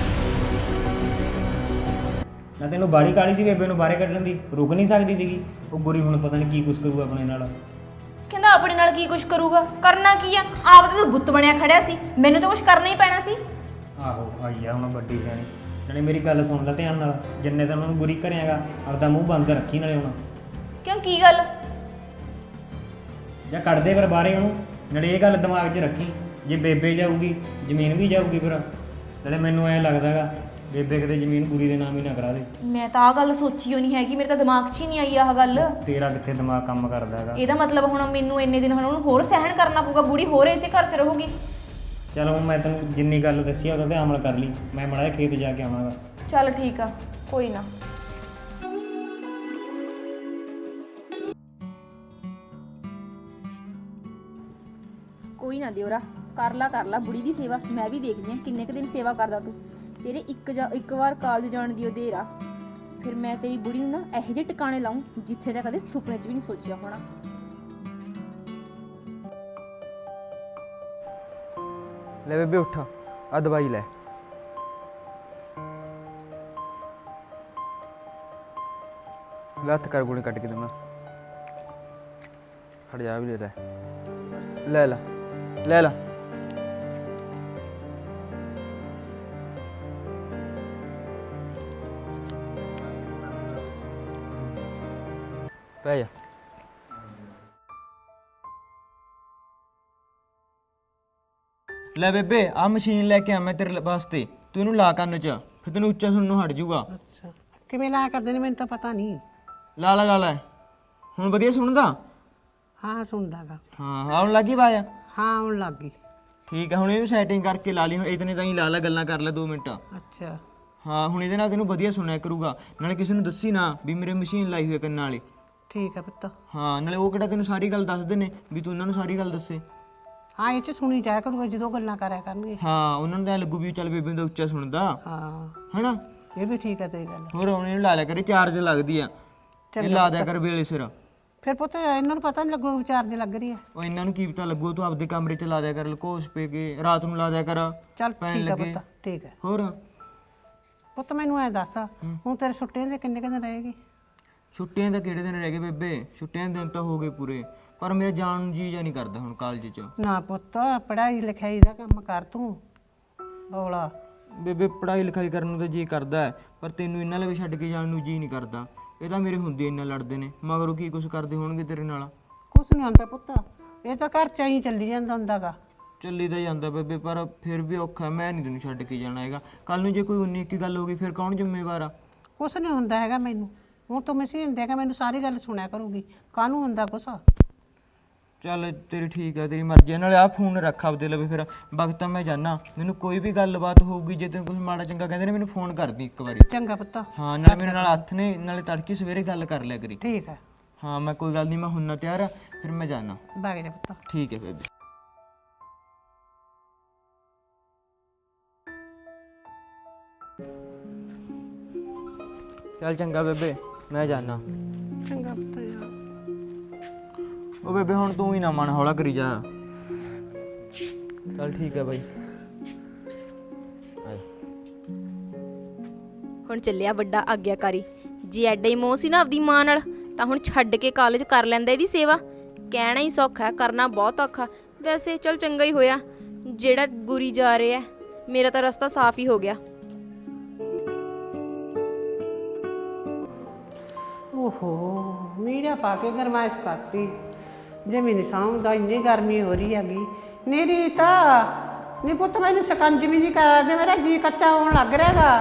Speaker 1: ਨਾ ਤੈਨੂੰ ਬਾੜੀ ਕਾਲੀ ਸੀ ਬੇਬੇ ਨੂੰ ਬਾਹਰੇ ਕੱਢਣ ਦੀ, ਰੁਕ ਨਹੀਂ ਸਕਦੀ ਸੀਗੀ। ਉਹ ਗੁਰੀ ਹੁਣ ਪਤਾ ਨਹੀਂ ਕੀ ਕੁਛ ਕਰੂ ਆਪਣੇ ਨਾਲ।
Speaker 2: ਕਹਿੰਦਾ ਆਪਣੇ ਨਾਲ ਕੀ ਕੁਛ ਕਰੂਗਾ, ਕਰਨਾ ਕੀ ਆ? ਆਪ ਤਾਂ ਤੂੰ ਬੁੱਤ ਬਣਿਆ ਖੜਿਆ ਸੀ, ਮੈਨੂੰ ਤਾਂ ਕੁਛ ਕਰਨਾ ਹੀ ਪੈਣਾ ਸੀ।
Speaker 1: ਆਹੋ ਆਈ ਆ ਹੁਣ ਵੱਡੀ ਸਿਆਣੀ। ਨਾਲੇ ਮੇਰੀ ਗੱਲ ਸੁਣ ਲੈ ਧਿਆਨ ਨਾਲ, ਜਿੰਨੇ ਤਾਂ ਉਹਨੂੰ ਗੁਰੀ ਘਰਿਆਗਾ ਆਪਦਾ ਮੂੰਹ ਬੰਦ ਰੱਖੀ ਨਾਲੇ ਹੁਣ।
Speaker 2: ਕਿਉਂ, ਕੀ ਗੱਲ?
Speaker 1: ਜਾਂ ਕੱਢ ਦੇ ਫਿਰ ਬਾਹਰੇ ਉਹਨੂੰ। ਨਾਲੇ ਇਹ ਗੱਲ ਦਿਮਾਗ 'ਚ ਰੱਖੀ, ਜੇ ਬੇਬੇ ਜਾਊਗੀ ਜ਼ਮੀਨ ਵੀ ਜਾਊਗੀ ਫਿਰ। ਨਾਲੇ ਮੈਨੂੰ ਐਂ ਲੱਗਦਾਗਾ ਬੇਬੇ ਕਿਤੇ ਜ਼ਮੀਨ ਗੁਰੀ ਦੇ ਨਾਮ ਹੀ ਨਾ ਕਰਾ ਦੇ।
Speaker 2: ਮੈਂ ਤਾਂ ਆਹ ਗੱਲ ਸੋਚੀ ਹੋਣੀ ਹੈਗੀ, ਮੇਰੇ ਤਾਂ ਦਿਮਾਗ 'ਚ ਹੀ ਨਹੀਂ ਆਈ ਆਹ ਗੱਲ।
Speaker 1: ਤੇਰਾ ਕਿੱਥੇ ਦਿਮਾਗ ਕੰਮ ਕਰਦਾ ਹੈਗਾ।
Speaker 2: ਇਹਦਾ ਮਤਲਬ ਹੁਣ ਮੈਨੂੰ ਇੰਨੇ ਦਿਨ ਹੁਣ ਉਹਨੂੰ ਹੋਰ ਸਹਿਣ ਕਰਨਾ ਪਊਗਾ, ਬੁੜੀ ਹੋਰ ਇਸੇ ਘਰ 'ਚ ਰਹੂਗੀ।
Speaker 1: ਚਲ ਹੁਣ ਮੈਂ ਤੈਨੂੰ ਜਿੰਨੀ ਗੱਲ ਦੱਸੀ ਆ ਉਹਦਾ ਤੇ ਅਮਲ ਕਰ ਲਈ। ਮੈਂ ਮਾੜਾ ਜਿਹਾ ਖੇਤ ਜਾ ਕੇ ਆਵਾਂਗਾ।
Speaker 2: ਚੱਲ ਠੀਕ ਆ, ਕੋਈ ਨਾ। ਕੋਈ ਨਾ ਦਿਓਰਾ, ਕਰ ਲਾ ਕਰ ਲਾ ਬੁੜੀ ਦੀ ਸੇਵਾ। ਮੈਂ ਵੀ ਦੇਖਦੀ ਆ ਕਿੰਨੇ ਕੁ ਦਿਨ ਸੇਵਾ ਕਰਦਾ ਤੂੰ। ਤੇਰੇ ਇੱਕ ਜਾ ਇੱਕ ਵਾਰ ਕਾਲਜ ਜਾਣ ਦੀ ਉਹ ਦੇਰ ਆ, ਫਿਰ ਮੈਂ ਤੇਰੀ ਬੁੜੀ ਨੂੰ ਨਾ ਇਹੋ ਜਿਹੇ ਟਿਕਾਣੇ ਲਾਉਂ ਜਿੱਥੇ ਦਾ ਕਦੇ ਸੁਪਨੇ 'ਚ ਵੀ ਨਹੀਂ ਸੋਚਿਆ ਹੋਣਾ।
Speaker 4: ਲੈ ਬੇਬੇ ਉੱਠ, ਆ ਦਵਾਈ ਲੈ। ਲੱਤ ਕਰ ਗੋਲੀ ਕੱਟ ਕੇ ਦਮਾ ਖੜ ਜਾ ਵੀ ਲੈ ਲੈ ਲੈ ਲੈ ਲੈ ਪੈ ਜਾ। ਲੈ ਬੇਬੇ ਆ ਮਸ਼ੀਨ ਲੈ ਕੇ ਆ ਮੈਂ ਤੇਰੇ ਵਾਸਤੇ, ਤੂੰ ਇਹਨੂੰ ਲਾ ਕੰਨ 'ਚ, ਫਿਰ ਤੈਨੂੰ ਉੱਚਾ ਸੁਣਨ ਨੂੰ ਹਟ ਜਾਊਗਾ।
Speaker 3: ਅੱਛਾ, ਕਿਵੇਂ ਲਾਇਆ ਕਰਦੇ ਨੇ ਮੈਨੂੰ ਤਾਂ ਪਤਾ ਨਹੀਂ।
Speaker 4: ਲਾ ਲਾ ਲਾ ਲੈ, ਹੁਣ ਵਧੀਆ ਸੁਣਦਾ?
Speaker 3: ਹਾਂ ਸੁਣਦਾਗਾ।
Speaker 4: ਹਾਂ ਆਉਣ ਲੱਗੀ ਆਵਾਜ਼?
Speaker 3: ਹਾਂ ਆਉਣ ਲੱਗ ਗਈ।
Speaker 4: ਠੀਕ ਹੈ, ਹੁਣ ਇਹਨੂੰ ਸੈਟਿੰਗ ਕਰਕੇ ਲਾ ਲਈ। ਹੁਣ ਇਤਨੇ ਤਾਂ ਹੀ ਲਾ ਲੈ, ਗੱਲਾਂ ਕਰ ਲੈ ਦੋ ਮਿੰਟ।
Speaker 3: ਅੱਛਾ
Speaker 4: ਹਾਂ ਹੁਣ ਇਹਦੇ ਨਾਲ ਤੈਨੂੰ ਵਧੀਆ ਸੁਣਿਆ ਕਰੂਗਾ। ਨਾਲੇ ਕਿਸੇ ਨੂੰ ਦੱਸੀ ਨਾ ਵੀ ਮੇਰੇ ਮਸ਼ੀਨ ਲਾਈ ਹੋਈ ਹੈ ਕੰਨਾਂ ਵਾਲੀ।
Speaker 3: ਠੀਕ ਹੈ ਪੁੱਤ।
Speaker 4: ਹਾਂ ਨਾਲੇ ਉਹ ਕਿਹੜਾ ਤੈਨੂੰ ਸਾਰੀ ਗੱਲ ਦੱਸਦੇ ਨੇ ਵੀ ਤੂੰ ਉਹਨਾਂ ਨੂੰ ਸਾਰੀ ਗੱਲ ਦੱਸੇ।
Speaker 3: ਹਾਂ ਇਹ 'ਚ ਸੁਣੀ ਜਾਇਆ ਕਰੂਗਾ ਜਦੋਂ ਗੱਲਾਂ ਕਰਿਆ ਕਰਨਗੇ।
Speaker 4: ਹਾਂ ਉਹਨਾਂ ਨੂੰ ਤਾਂ ਐਂ ਲੱਗੂ ਵੀ ਚੱਲ ਬੇਬੇ ਦਾ ਉੱਚਾ ਸੁਣਦਾ
Speaker 3: ਹਾਂ
Speaker 4: ਹੈਨਾ।
Speaker 3: ਇਹ ਵੀ ਠੀਕ ਹੈ ਤੇਰੀ ਗੱਲ।
Speaker 4: ਹੋਰ ਹੁਣ ਇਹਨੂੰ ਲਾ ਲਿਆ ਕਰੇ, ਚਾਰਜ ਲੱਗਦੀ ਆ, ਇਹ ਲਾ ਦਿਆ ਕਰ ਵੇਲੇ ਸਿਰ।
Speaker 3: ਫਿਰ ਪੁੱਤ ਇਹਨਾਂ ਨੂੰ ਪਤਾ ਨਹੀਂ ਲੱਗੂ ਵੀ ਚਾਰਜ ਲੱਗ ਰਹੀ ਹੈ।
Speaker 4: ਉਹ ਇਹਨਾਂ ਨੂੰ ਕੀ ਪਤਾ ਲੱਗੂ, ਤੂੰ ਆਪਦੇ ਕਮਰੇ 'ਚ ਲਾ ਦਿਆ ਕਰ, ਲਕੋਸ ਪੇ ਕੇ ਰਾਤ ਨੂੰ ਲਾ ਦਿਆ ਕਰ।
Speaker 3: ਚੱਲ
Speaker 4: ਪੈਣ
Speaker 3: ਠੀਕ ਹੈ
Speaker 4: ਲੱਗੇ।
Speaker 3: ਪੁੱਤ, ਠੀਕ ਹੈ
Speaker 4: ਹੋਰ
Speaker 3: ਪੁੱਤ। ਮੈਨੂੰ ਐ ਦੱਸ, ਹੁਣ ਤੇਰੇ ਛੁੱਟੀਆਂ ਦੇ ਕਿੰਨੇ ਕਿੰਨੇ ਰਹੇਗੀ?
Speaker 4: ਛੁੱਟੀਆਂ ਦਾ ਕਿਹੜੇ ਦਿਨ ਰਹਿ ਗਏ ਬੇਬੇ? ਛੁੱਟੀਆਂ ਦੇ ਦਿਨ ਤਾਂ ਹੋ ਗਏ ਪੂਰੇ, ਪਰ ਮੇਰਾ ਜਾਣ ਨੂੰ ਜੀ ਜਾਂ ਨਹੀਂ ਕਰਦਾ ਹੁਣ ਕਾਲਜ 'ਚ।
Speaker 3: ਨਾ ਪੁੱਤ, ਪੜ੍ਹਾਈ ਲਿਖਾਈ ਦਾ ਕੰਮ ਕਰ ਤੂੰ ਬੋਲਾ।
Speaker 4: ਬੇਬੇ ਪੜ੍ਹਾਈ ਲਿਖਾਈ ਕਰਨ ਨੂੰ ਤਾਂ ਜੀ ਕਰਦਾ ਹੈ, ਪਰ ਤੈਨੂੰ ਇਹਨਾਂ ਲਈ ਛੱਡ ਕੇ ਜਾਣ ਨੂੰ ਜੀ ਨਹੀਂ ਕਰਦਾ। ਇਹ ਤਾਂ ਮੇਰੇ ਹੁੰਦੇ ਇੰਨਾ ਲੜਦੇ ਨੇ, ਮਗਰੋਂ ਕੀ ਕੁਛ ਕਰਦੇ ਹੋਣਗੇ ਤੇਰੇ ਨਾਲ।
Speaker 3: ਕੁਛ ਨਹੀਂ ਹੁੰਦਾ ਪੁੱਤ, ਇਹ ਤਾਂ ਘਰ ਚ ਹੀ ਚੱਲੀ ਜਾਂਦਾ ਹੁੰਦਾਗਾ।
Speaker 4: ਚੱਲੀ ਤਾਂ ਜਾਂਦਾ ਬੇਬੇ, ਪਰ ਫਿਰ ਵੀ ਔਖਾ। ਮੈਂ ਨਹੀਂ ਤੈਨੂੰ ਛੱਡ ਕੇ ਜਾਣਾ ਹੈਗਾ। ਕੱਲ ਨੂੰ ਜੇ ਕੋਈ ਉਨੀ ਇੱਕੀ ਗੱਲ ਹੋ ਗਈ ਫਿਰ ਕੌਣ ਜ਼ਿੰਮੇਵਾਰ ਆ?
Speaker 3: ਕੁਛ ਨਹੀਂ ਹੁੰਦਾ ਹੈਗਾ ਮੈਨੂੰ। ਹੁਣ ਤੂੰ ਮਸ਼ੀਨ ਦੇਗਾ, ਮੈਨੂੰ ਸਾਰੀ ਗੱਲ ਸੁਣਿਆ ਕਰੂਗੀ। ਕਾਹਨੂੰ ਹੁੰਦਾ ਕੁਛ?
Speaker 4: ਚੱਲ ਤੇਰੀ ਠੀਕ ਹੈ, ਤੇਰੀ ਮਰਜ਼ੀ ਹੈ। ਨਾਲੇ ਆਹ ਫੋਨ ਰੱਖ ਆਪਦੇ ਲਵੇ, ਫਿਰ ਵਕਤ ਤਾਂ ਮੈਂ ਜਾਣਾ। ਮੈਨੂੰ ਕੋਈ ਵੀ ਗੱਲਬਾਤ ਹੋਊਗੀ, ਜੇ ਤੈਨੂੰ ਕੁਝ ਮਾੜਾ ਚੰਗਾ ਕਹਿੰਦੇ ਨੇ ਮੈਨੂੰ ਫੋਨ ਕਰਦੀ ਇੱਕ ਵਾਰੀ।
Speaker 3: ਚੰਗਾ ਪੁੱਤ।
Speaker 4: ਹਾਂ ਨਾਲੇ ਮੇਰੇ ਨਾਲ ਹੱਥ ਨੇ, ਨਾਲੇ ਤੜਕੇ ਸਵੇਰੇ ਗੱਲ ਕਰ ਲਿਆ ਕਰੀ।
Speaker 3: ਠੀਕ ਹੈ,
Speaker 4: ਹਾਂ ਮੈਂ ਕੋਈ ਗੱਲ ਨਹੀਂ, ਮੈਂ ਹੁੰਨਾ ਤਿਆਰ ਆ, ਫਿਰ ਮੈਂ ਜਾਣਾ।
Speaker 3: ਬਾਗ ਜਾ ਪੁੱਤ।
Speaker 4: ਠੀਕ ਹੈ ਬੇਬੇ। ਚੱਲ ਚੰਗਾ ਬੇਬੇ, ਮੈਂ ਜਾਣਾ।
Speaker 3: ਚੰਗਾ ਪੁੱਤ ਯਾਰ।
Speaker 4: ਉਹ ਬੇਬੇ ਹੁਣ ਤੂੰ ਹੀ ਨਾ ਮਨ ਹੌਲਾ ਕਰੀ ਜਾ। ਚੱਲ ਠੀਕ ਹੈ ਬਾਈ।
Speaker 2: ਹੁਣ ਚੱਲਿਆ ਵੱਡਾ ਆਗਿਆਕਾਰੀ। ਜੇ ਐਡਾ ਹੀ ਮੋਹ ਸੀ ਨਾ ਆਪਦੀ ਮਾਂ ਨਾਲ, ਤਾਂ ਹੁਣ ਛੱਡ ਕੇ ਕਾਲਜ ਕਰ ਲੈਂਦਾ ਇਹਦੀ ਸੇਵਾ। ਕਹਿਣਾ ਹੀ ਸੌਖਾ ਹੈ, ਕਰਨਾ ਬਹੁਤ ਔਖਾ। ਵੈਸੇ ਚੱਲ ਚੰਗਾ ਹੀ ਹੋਇਆ ਜਿਹੜਾ ਗੁਰੀ ਜਾ ਰਿਹਾ, ਮੇਰਾ ਤਾਂ ਰਸਤਾ ਸਾਫ਼ ਹੀ ਹੋ ਗਿਆ।
Speaker 3: ਓਹੋ ਮੀਰਾ ਪਾ ਕੇ ਗਰਮਾਇਸ਼ ਕਰਤੀ ਜੇ ਮੈਨੂੰ ਸਾਂਭਦਾ ਇੰਨੀ ਗਰਮੀ ਹੋ ਰਹੀ ਹੈਗੀ ਨੀ ਰੀਤਾ ਨੀ ਪੁੱਤ ਮੈਨੂੰ ਸਕੰਜਵੀ ਨਹੀਂ ਕਰਾ ਦੇ ਮੇਰਾ ਜੀ ਕੱਚਾ ਹੋਣ ਲੱਗ ਰਿਹਾਗਾ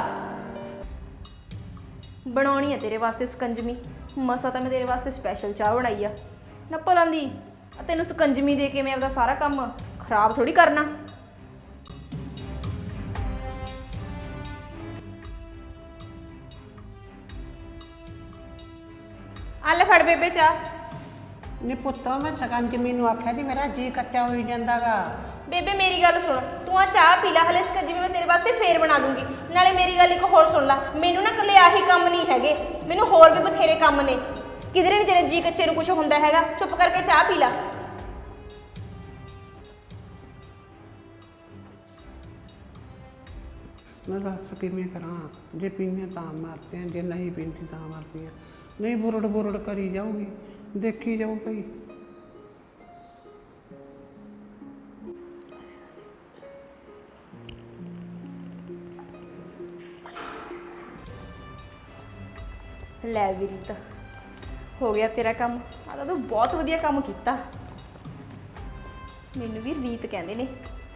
Speaker 2: ਬਣਾਉਣੀ ਆ ਤੇਰੇ ਵਾਸਤੇ ਸਕੰਜਮੀ ਮਸਾ ਤਾਂ ਮੈਂ ਤੇਰੇ ਵਾਸਤੇ ਸਪੈਸ਼ਲ ਚਾਹ ਬਣਾਈ ਆ ਨਾ ਭਲਾਂ ਦੀ ਆ ਤੈਨੂੰ ਸਕੰਜਮੀ ਦੇ ਕੇ ਮੈਂ ਆਪਦਾ ਸਾਰਾ ਕੰਮ ਖਰਾਬ ਥੋੜੀ ਕਰਨਾ ਆ ਲੈ ਫੜ ਬੇਬੇ ਚਾਹ
Speaker 3: ਨੀ ਪੁੱਤ ਮੈਂ ਸਕੰਜਵੀ ਨੂੰ ਆਖਿਆ ਸੀ ਮੇਰਾ ਜੀ ਕੱਚਾ ਹੋਈ ਜਾਂਦਾਗਾ
Speaker 2: ਬੇਬੇ ਮੇਰੀ ਗੱਲ ਸੁਣ ਤੂੰ ਆ ਚਾਹ ਪੀ ਲੈ ਹਲੇ ਸਕੰਜਮੀ ਮੈਂ ਤੇਰੇ ਵਾਸਤੇ ਫੇਰ ਬਣਾ ਦੂੰਗੀ ਨਾਲੇ ਮੇਰੀ ਗੱਲ ਇੱਕ ਹੋਰ ਸੁਣ ਲੈ ਮੈਨੂੰ ਨਾ ਇਕੱਲੇ ਆਹੀ ਕੰਮ ਨਹੀਂ ਹੈਗੇ ਮੈਨੂੰ ਹੋਰ ਵੀ ਬਥੇਰੇ ਕੰਮ ਨੇ ਕਿਧਰੇ ਨਹੀਂ ਤੇਰੇ ਜੀ ਕੱਚੇ ਨੂੰ ਕੁਝ ਹੁੰਦਾ ਹੈਗਾ ਚੁੱਪ ਕਰਕੇ ਚਾਹ ਪੀ ਲੈ
Speaker 3: ਮੈਂ ਦੱਸ ਕਿਵੇਂ ਕਰਾਂ ਜੇ ਪੀਂਦੇ ਤਾਂ ਮਾਰਦੇ ਆ ਜੇ ਨਹੀਂ ਪੀਂਦੀ ਤਾਂ ਮਾਰਦੇ ਆ ਨਹੀਂ ਬੁਰੜ ਬੁਰੜ ਕਰੀ ਜਾਊਗੀ ਦੇਖੀ ਜਾਊ ਭਈ
Speaker 2: ਲੈ ਵੀ ਰੀਤ ਹੋ ਗਿਆ ਤੇਰਾ ਕੰਮ ਆ ਤਾਂ ਤੂੰ ਬਹੁਤ ਵਧੀਆ ਕੰਮ ਕੀਤਾ ਮੈਨੂੰ ਵੀ ਰੀਤ ਕਹਿੰਦੇ ਨੇ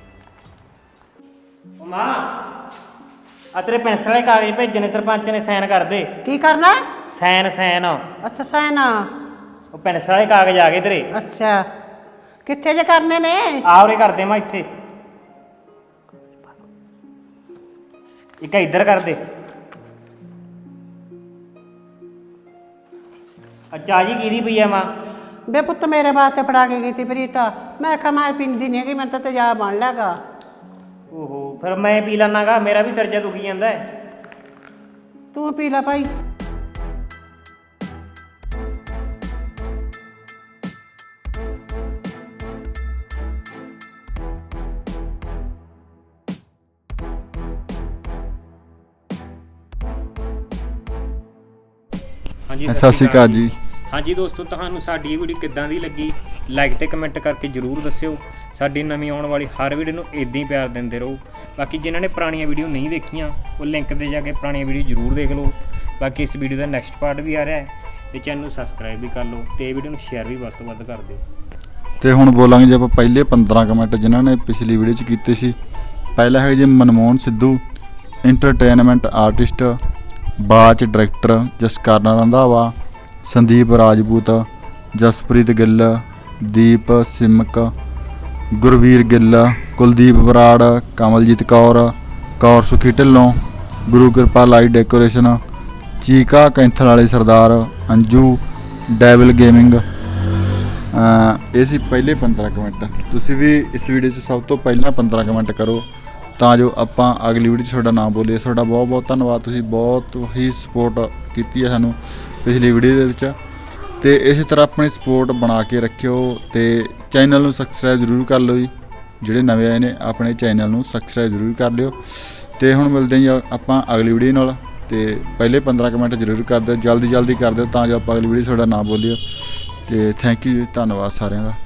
Speaker 1: ਉਹ ਮਾਂ ਆ ਤੇਰੇ ਪੈਨਸਲ ਵਾਲੇ ਕਾਗਜ਼ ਭੇਜਣੇ ਸਰਪੰਚ ਨੇ ਸਾਈਨ ਕਰ ਦੇ
Speaker 3: ਕੀ ਕਰਨਾ
Speaker 1: ਸਾਈਨ ਸਾਈਨ
Speaker 3: ਅੱਛਾ ਸੈਨਾ
Speaker 1: ਉਹ ਪੈਨਸਲ ਵਾਲੇ ਕਾਗਜ਼ ਆ ਗਏ ਤੇਰੇ
Speaker 3: ਅੱਛਾ ਕਿੱਥੇ ਜੇ ਕਰਨੇ ਨੇ
Speaker 1: ਆ ਉਰੇ ਕਰ ਦੇ ਮੈਂ ਇੱਥੇ ਇੱਕ ਇੱਧਰ ਕਰ ਦੇ ਅੱਛਾ ਜੀ ਕਿਹਦੀ ਪਈ ਆ ਮਾਂ
Speaker 3: ਬੇ ਪੁੱਤ ਮੇਰੇ ਵਾਸਤੇ ਫੜਾ ਕੇ ਗਈ ਤੀ ਪ੍ਰੀਤਾ ਮੈਂ ਕਿਹਾ ਮੈਂ ਪੀਂਦੀ ਨਹੀਂ ਹੈਗੀ ਮੈਨੂੰ ਤਾਂ ਤੇਜ਼ਾਬ ਬਣ ਲਿਆਗਾ
Speaker 1: ਓਹੋ ਫਿਰ ਮੈਂ ਪੀ ਲੈਣਾਗਾ ਮੇਰਾ ਵੀ ਸਿਰ ਜਾ ਦੁਖੀ ਜਾਂਦਾ ਹੈ
Speaker 3: ਤੂੰ ਪੀ ਲੈ ਭਾਈ
Speaker 1: ਹਾਂਜੀ
Speaker 5: ਸਤਿ ਸ਼੍ਰੀ ਅਕਾਲ ਜੀ।
Speaker 1: ਹਾਂਜੀ ਦੋਸਤੋ ਤੁਹਾਨੂੰ ਸਾਡੀ ਇਹ ਵੀਡੀਓ ਕਿੱਦਾਂ ਦੀ ਲੱਗੀ ਲਾਈਕ ਤੇ ਕਮੈਂਟ ਕਰਕੇ ਜਰੂਰ ਦੱਸਿਓ ਸਾਡੀ ਨਵੀਂ ਆਉਣ ਵਾਲੀ ਹਰ ਵੀਡੀਓ ਨੂੰ ਇਦਾਂ ਹੀ ਪਿਆਰ ਦਿੰਦੇ ਰਹੋ ਬਾਕੀ ਜਿਨ੍ਹਾਂ ਨੇ ਪੁਰਾਣੀਆਂ ਵੀਡੀਓ ਨਹੀਂ ਦੇਖੀਆਂ ਉਹ ਲਿੰਕ ਤੇ ਜਾ ਕੇ ਪੁਰਾਣੀਆਂ ਵੀਡੀਓ ਜਰੂਰ ਦੇਖ ਲਓ ਬਾਕੀ ਇਸ ਵੀਡੀਓ ਦਾ ਨੈਕਸਟ ਪਾਰਟ ਵੀ ਆ ਰਿਹਾ ਹੈ ਤੇ ਚੈਨਲ ਨੂੰ ਸਬਸਕ੍ਰਾਈਬ ਵੀ ਕਰ ਲਓ ਤੇ ਇਹ ਵੀਡੀਓ ਨੂੰ ਸ਼ੇਅਰ ਵੀ ਵੱਧ ਤੋਂ ਵੱਧ ਕਰ ਦਿਓ
Speaker 5: ਤੇ ਹੁਣ ਬੋਲਾਂਗੇ ਜੇ ਆਪਾਂ ਪਹਿਲੇ ਪੰਦਰਾਂ ਕਮੈਂਟ ਜਿਨ੍ਹਾਂ ਨੇ ਪਿਛਲੀ ਵੀਡੀਓ 'ਚ ਕੀਤੇ ਸੀ ਪਹਿਲਾ ਹੈ ਜੀ ਮਨਮੋਹਨ ਸਿੱਧੂ ਐਂਟਰਟੇਨਮੈਂਟ ਆਰਟਿਸਟ ਬਾਚ ਡਾਇਰੈਕਟਰ ਜਸਕਰਨ ਰੰਧਾਵਾ ਸੰਦੀਪ ਰਾਜਪੂਤ ਜਸਪ੍ਰੀਤ ਗਿੱਲ ਦੀਪ ਸਿਮਕ ਗੁਰਵੀਰ ਗਿੱਲ ਕੁਲਦੀਪ ਬਰਾੜ ਕਮਲਜੀਤ ਕੌਰ ਕੌਰ ਸੁਖੀ ਢਿੱਲੋਂ ਗੁਰੂ ਕਿਰਪਾ ਲਾਈਟ ਡੈਕੋਰੇਸ਼ਨ ਚੀਕਾ ਕੈਂਥਲ ਵਾਲੇ ਸਰਦਾਰ ਅੰਜੂ ਡੈਵਲ ਗੇਮਿੰਗ ਇਹ ਸੀ ਪਹਿਲੇ ਪੰਦਰਾਂ ਕਮੈਂਟ ਤੁਸੀਂ ਵੀ ਇਸ ਵੀਡੀਓ 'ਚ ਸਭ ਤੋਂ ਪਹਿਲਾਂ ਪੰਦਰਾਂ ਕਮੈਂਟ ਕਰੋ ਤਾਂ ਜੋ ਆਪਾਂ ਅਗਲੀ ਵੀਡੀਓ 'ਚ ਤੁਹਾਡਾ ਨਾਮ ਬੋਲੀਏ ਤੁਹਾਡਾ ਬਹੁਤ ਬਹੁਤ ਧੰਨਵਾਦ ਤੁਸੀਂ ਬਹੁਤ ਹੀ ਸਪੋਰਟ ਕੀਤੀ ਹੈ ਸਾਨੂੰ ਪਿਛਲੀ ਵੀਡੀਓ ਦੇ ਵਿੱਚ ਤੇ ਇਸੇ ਤਰ੍ਹਾਂ ਆਪਣੀ ਸਪੋਰਟ ਬਣਾ ਕੇ ਰੱਖਿਓ ਤੇ ਚੈਨਲ ਨੂੰ ਸਬਸਕ੍ਰਾਈਬ ਜ਼ਰੂਰ ਕਰ ਲਓ ਜੀ ਜਿਹੜੇ ਨਵੇਂ ਆਏ ਨੇ ਆਪਣੇ ਚੈਨਲ ਨੂੰ ਸਬਸਕ੍ਰਾਈਬ ਜ਼ਰੂਰ ਕਰ ਲਿਓ ਤੇ ਹੁਣ ਮਿਲਦੇ ਹਾਂ ਆਪਾਂ ਅਗਲੀ ਵੀਡੀਓ ਨਾਲ ਤੇ ਪਹਿਲੇ ਪੰਦਰਾਂ ਕਮੈਂਟ ਜ਼ਰੂਰ ਕਰ ਦਿਓ ਜਲਦੀ ਜਲਦੀ ਕਰ ਦਿਓ ਤਾਂ ਜੋ ਆਪਾਂ ਅਗਲੀ ਵੀਡੀਓ 'ਚ ਤੁਹਾਡਾ ਨਾਮ ਬੋਲੀਏ ਤੇ ਥੈਂਕ ਯੂ ਧੰਨਵਾਦ ਸਾਰਿਆਂ ਦਾ।